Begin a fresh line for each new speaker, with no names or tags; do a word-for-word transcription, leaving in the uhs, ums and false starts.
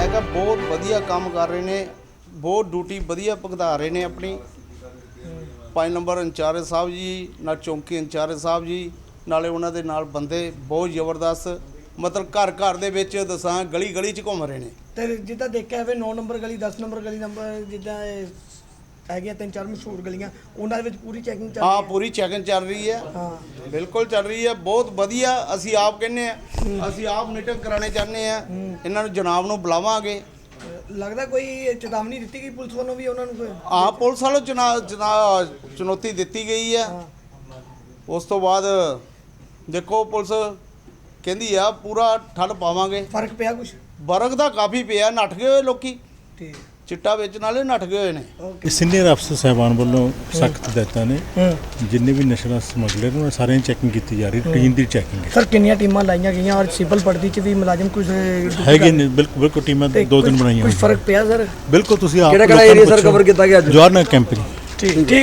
मैं कहा बहुत वधिया काम कर रहे ने, बहुत ड्यूटी वधिया भुगता रहे ने अपनी। पाँच नंबर इंचार्ज साहब जी ना चौंकी इंचार्ज साहब जी नाले उन्हां दे नाल बंदे बहुत ज़बरदस्त, मतलब घर घर दे विच दसां गली गली च घुम रहे ने।
ਤੇ ਜਿੱਦਾਂ ਦੇਖਿਆ ਜਾਵੇ ਨੌ ਨੰਬਰ ਗਲੀ ਦਸ ਨੰਬਰ ਗਲੀ ਨੰਬਰ ਜਿੱਦਾਂ ਇਹ ਹੈਗੀਆਂ ਤਿੰਨ ਚਾਰ ਮਸ਼ਹੂਰ ਗਲੀਆਂ ਉਹਨਾਂ ਦੇ ਵਿੱਚ ਪੂਰੀ ਚੈਕਿੰਗ ਚੱਲ ਰਹੀ
हाँ
ਹੈ।
पूरी चैकिंग चल रही है,
ਹਾਂ
बिल्कुल चल रही है, बहुत वधिया। ਅਸੀਂ ਆਪ ਕਹਿੰਦੇ ਆ, ਅਸੀਂ ਆਪ ਮੀਟਿੰਗ ਕਰਾਣੇ ਚਾਹੁੰਦੇ ਆ, ਇਹਨਾਂ ਨੂੰ ਜਨਾਬ ਨੂੰ ਬੁਲਾਵਾਂਗੇ।
ਲੱਗਦਾ ਕੋਈ ਚੇਤਾਵਨੀ ਦਿੱਤੀ ਗਈ ਪੁਲਿਸ ਵੱਲੋਂ ਵੀ ਉਹਨਾਂ ਨੂੰ ਕੋਈ?
ਆ ਪੁਲਿਸ ਵਾਲੋਂ ਚੁਣਾ ਚੁਣਾ ਚੁਣੌਤੀ ਦਿੱਤੀ ਗਈ ਹੈ। ਉਸ ਤੋਂ ਬਾਅਦ ਦੇਖੋ ਪੁਲਿਸ ਕਹਿੰਦੀ ਆ ਪੂਰਾ ਠੱਲ ਪਾਵਾਂਗੇ।
ਫਰਕ ਪਿਆ ਕੁਝ?
ਵਰਗ ਦਾ ਕਾਫੀ ਪਿਆ, ਨੱਠ ਗਏ ਹੋਏ ਲੋਕੀ,
ਠੀਕ
ਚਿੱਟਾ ਵੇਚਣ ਵਾਲੇ ਨੱਠ ਗਏ ਹੋਏ ਨੇ।
ਓਕੇ।
ਸੀਨੀਅਰ ਅਫਸਰ ਸਾਹਿਬਾਨ ਵੱਲੋਂ ਸਖਤ ਹਦਾਇਤਾਂ ਨੇ, ਜਿੰਨੇ ਵੀ ਨਸ਼ਾ ਸਮਗਲਰ ਨੇ ਸਾਰਿਆਂ ਦੀ ਚੈਕਿੰਗ ਕੀਤੀ ਜਾ ਰਹੀ, ਰੂਟੀਨ ਦੀ ਚੈਕਿੰਗ ਹੈ।
ਸਰ ਕਿੰਨੀਆਂ ਟੀਮਾਂ ਲਾਈਆਂ ਗਈਆਂ ਔਰ ਸਿਵਲ ਪੜਦੀ ਚ ਵੀ ਮੁਲਾਜ਼ਮ ਕੁਝ
ਹੈਗੇ ਨੇ? ਬਿਲਕੁਲ ਬਿਲਕੁਲ ਟੀਮਾਂ ਦੋ ਦਿਨ ਬਣਾਈਆਂ
ਕੁਝ ਫਰਕ ਪਿਆ ਸਰ?
ਬਿਲਕੁਲ ਤੁਸੀਂ ਆਪ
ਕਿਹੜਾ ਕਿਹੜਾ ਏਰੀਆ ਸਰ ਕਵਰ ਕੀਤਾ ਗਿਆ ਅੱਜ?
ਜਵਾਹਰ ਨਗਰ ਕੈਂਪ ਜੀ।
ਠੀਕ ਠੀਕ।